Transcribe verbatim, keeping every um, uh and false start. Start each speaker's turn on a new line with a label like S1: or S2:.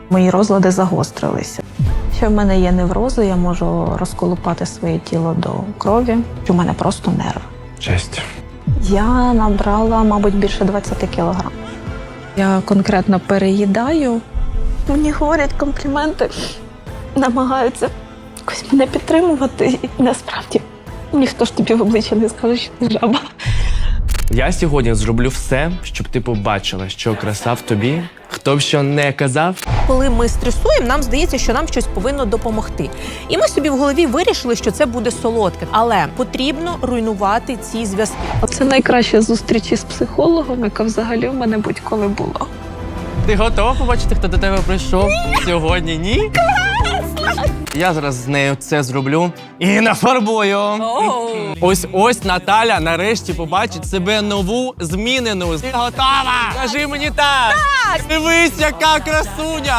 S1: Мої розлади загострилися. Ще в мене є неврози, я можу розколупати своє тіло до крові. У мене просто нерв.
S2: Честь.
S1: Я набрала, мабуть, більше двадцять кілограм. Я конкретно переїдаю. Мені говорять компліменти, намагаються якось мене підтримувати. І насправді ніхто ж тобі в обличчя не скаже, що ти жаба.
S2: Я сьогодні зроблю все, щоб ти побачила, що краса в тобі, хто б що не казав.
S3: Коли ми стресуємо, нам здається, що нам щось повинно допомогти. І ми собі в голові вирішили, що це буде солодке. Але потрібно руйнувати ці зв'язки.
S1: Це найкраща зустріч із психологом, яка взагалі в мене будь-коли була.
S2: Ти готова побачити, хто до тебе прийшов сьогодні? Ні? Я зараз з нею це зроблю і нафарбую. Ось ось Наталя нарешті побачить себе нову, змінену. Ти готова? Кажи мені так! Так! Дивись, яка красуня!